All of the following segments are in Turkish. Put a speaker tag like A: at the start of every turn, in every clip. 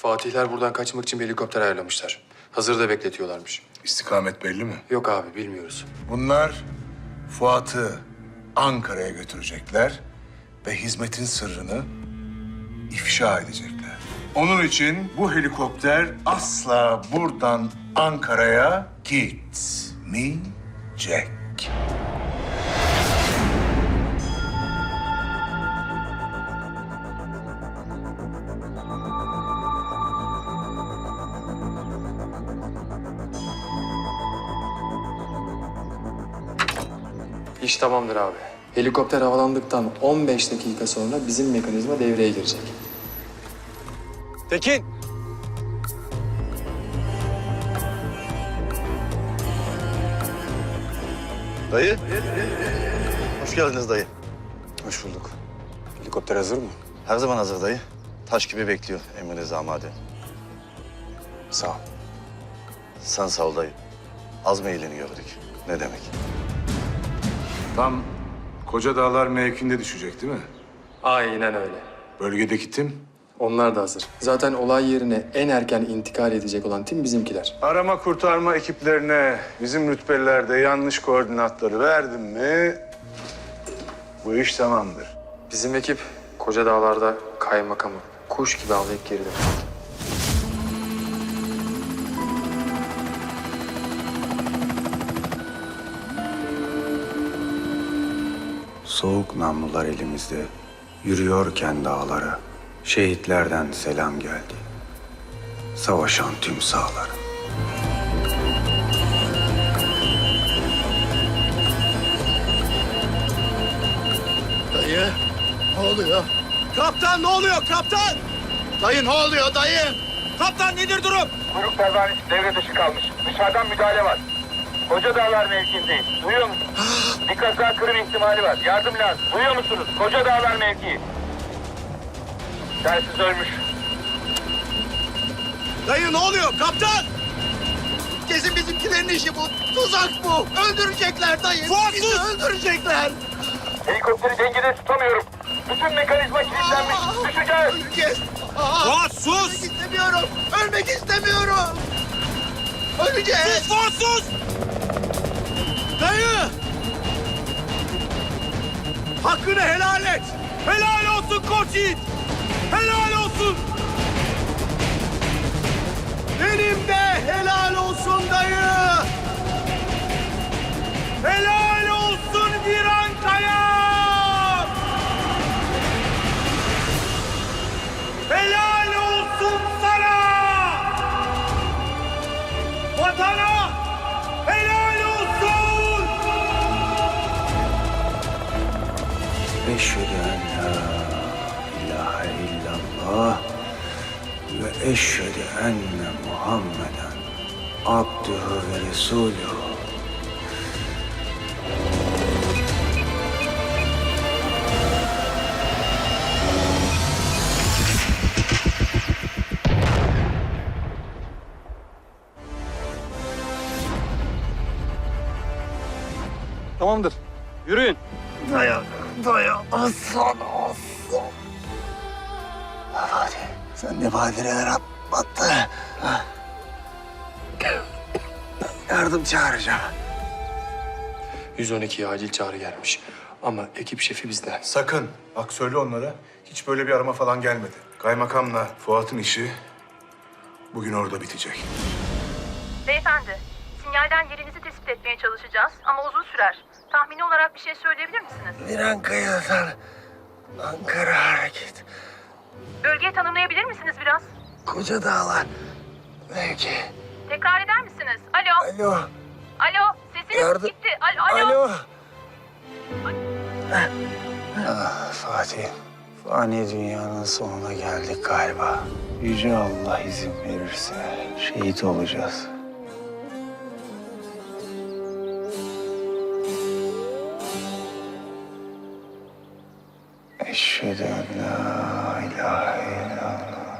A: Fatihler buradan kaçmak için bir helikopter ayarlamışlar. Hazırda bekletiyorlarmış.
B: İstikamet belli mi?
A: Yok abi, bilmiyoruz.
B: Bunlar Fuat'ı Ankara'ya götürecekler ve hizmetin sırrını ifşa edecekler. Onun için bu helikopter asla buradan Ankara'ya gitmeyecek.
A: İş tamamdır abi. Helikopter havalandıktan 15 dakika sonra bizim mekanizma devreye girecek.
C: Tekin!
D: Dayı. Hoş geldiniz dayı.
C: Hoş bulduk. Helikopter hazır mı?
D: Her zaman hazır dayı. Taş gibi bekliyor emrinize amade.
C: Sağ ol.
D: Sen sağ ol dayı. Az meyilini gördük. Ne demek?
B: Tam Koca Dağlar mevkinde düşecek değil mi?
A: Aynen öyle.
B: Bölgedeki tim?
A: Onlar da hazır. Zaten olay yerine en erken intikal edecek olan tim bizimkiler.
B: Arama kurtarma ekiplerine bizim rütbelilerde yanlış koordinatları verdim mi bu iş tamamdır.
A: Bizim ekip Koca Dağlar'da kaymakamı kuş gibi avlayıp geri dönecek.
E: Soğuk namlular elimizde, yürüyorken dağlara, şehitlerden selam geldi. Savaşan tüm sağlara.
F: Dayı, ne oluyor? Kaptan ne oluyor kaptan? Dayı ne oluyor dayı? Kaptan nedir durum?
G: Kuyruk pervanesi devre dışı kalmış. Dışarıdan müdahale var. Koca Dağlar mevkiindeyiz. Duyuyor musunuz? Bir kaza kırım ihtimali var. Yardım lazım. Duyuyor musunuz? Koca Dağlar mevkii. Telsiz ölmüş.
F: Dayı ne oluyor kaptan? Kesin bizimkilerin işi bu. Tuzak bu. Öldürecekler dayı. Bizi öldürecekler.
G: Helikopteri dengede tutamıyorum. Bütün mekanizma kilitlenmiş. Düşeceğiz.
F: Öleceğiz. Fuat sus. Ölmek istemiyorum. Ölmek istemiyorum. Öleceğiz. Sus Fuat sus. Dayı. Hakkını helal et. Helal olsun koç yiğit. Helal olsun. Benim de helal olsun dayı. Helal olsun Virankaya. Helal olsun sana. Vatana helal olsun.
E: Eşhedü en la ilahe illallah ve eşhedü enne Muhammeden abdühü ve resulühü.
C: Tamamdır. Yürüyün.
F: Hadi sen ne badireler atlattı. Yardım çağıracağım.
A: 112'ye acil çağrı gelmiş. Ama ekip şefi bizde.
B: Sakın. Bak söyle onlara. Hiç böyle bir arama falan gelmedi. Kaymakamla Fuat'ın işi bugün orada bitecek.
H: Beyefendi, sinyalden yerinizi tespit etmeye çalışacağız ama uzun sürer. Tahmini olarak bir şey söyleyebilir misiniz?
F: Virankaya'dan Ankara hareket.
H: Bölgeyi tanımlayabilir misiniz biraz?
F: Koca Dağlar mevki.
H: Tekrar eder misiniz? Alo,
F: Alo.
H: alo, sesiniz
F: Yardım-
H: gitti. Alo.
F: Alo.
E: Fatih, fani dünyanın sonuna geldik galiba. Yüce Allah izin verirse şehit olacağız. Eşhedü en la ilahe illallah.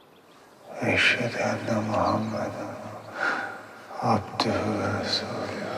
E: Eşhedü enne Muhammeden abdühü ve resulühü.